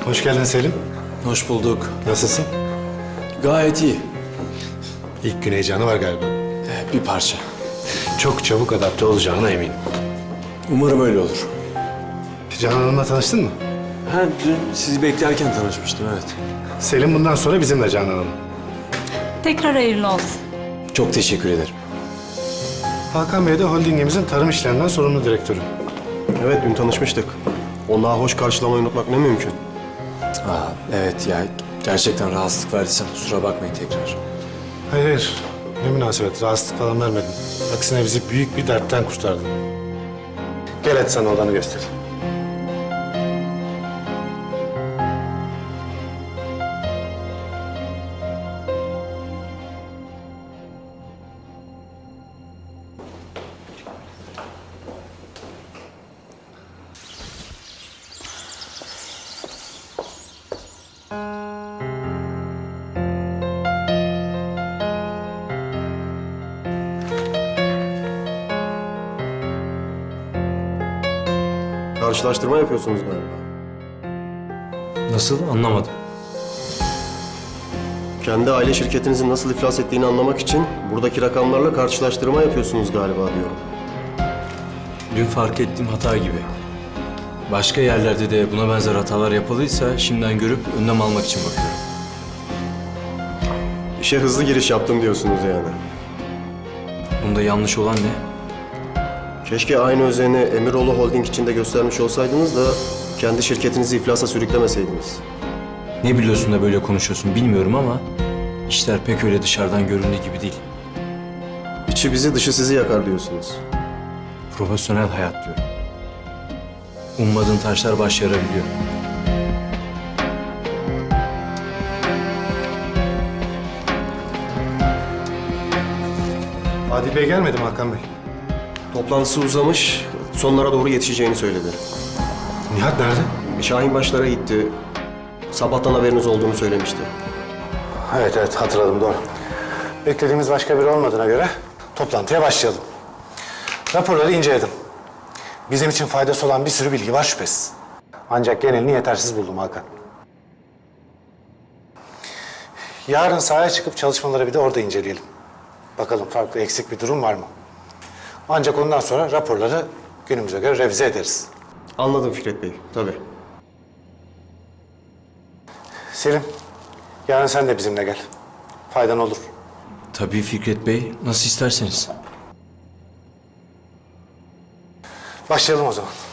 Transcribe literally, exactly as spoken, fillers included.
Hoş geldin Selim. Hoş bulduk. Nasılsın? Gayet iyi. İlk gün heyecanı var galiba. Ee, bir parça. Çok çabuk adapte olacağına eminim. Umarım öyle olur. Canan Hanım'la tanıştın mı? Ha, dün sizi beklerken tanışmıştım, evet. Selim bundan sonra bizimle Canan Hanım. Tekrar hayırlı olsun. Çok teşekkür ederim. Hakan Bey de holdingimizin tarım işlerinden sorumlu direktörü. Evet, dün tanışmıştık. Onlara hoş karşılamayı unutmak ne mümkün. Aa, evet ya, gerçekten rahatsızlık verdiysem kusura bakmayın tekrar. Hayır hayır. Ne münasebet. Rahatsızlık falan vermedin. Aksine bizi büyük bir dertten kurtardın. Gel hadi sana odanı göstereyim. Karşılaştırma yapıyorsunuz galiba. Nasıl? Anlamadım. Kendi aile şirketinizin nasıl iflas ettiğini anlamak için buradaki rakamlarla karşılaştırma yapıyorsunuz galiba diyorum. Dün fark ettiğim hata gibi. Başka yerlerde de buna benzer hatalar yapıldıysa şimdiden görüp önlem almak için bakıyorum. İşe hızlı giriş yaptım diyorsunuz yani. Bunda yanlış olan ne? Keşke aynı özeni Emiroğlu Holding için de göstermiş olsaydınız da kendi şirketinizi iflasa sürüklemeseydiniz. Ne biliyorsun da böyle konuşuyorsun bilmiyorum ama işler pek öyle dışarıdan göründüğü gibi değil. İçi bizi dışı sizi yakar diyorsunuz. Profesyonel hayat diyorum. Ummadığın taşlar baş yarabiliyor. Adil Bey gelmedi mi Hakan Bey? Toplantısı uzamış, sonlara doğru yetişeceğini söyledi. Nihat nerede? Şahin başlara gitti. Sabahtan haberiniz olduğunu söylemişti. Evet evet hatırladım doğru. Beklediğimiz başka biri olmadığına göre toplantıya başlayalım. Raporları inceledim. Bizim için faydası olan bir sürü bilgi var şüphesiz. Ancak genelini yetersiz buldum Hakan. Yarın sahaya çıkıp çalışmaları bir de orada inceleyelim. Bakalım farklı eksik bir durum var mı? Ancak ondan sonra raporları günümüze göre revize ederiz. Anladım Fikret Bey, tabii. Selim, yarın sen de bizimle gel. Faydan olur. Tabii Fikret Bey, nasıl isterseniz. Başlayalım o zaman.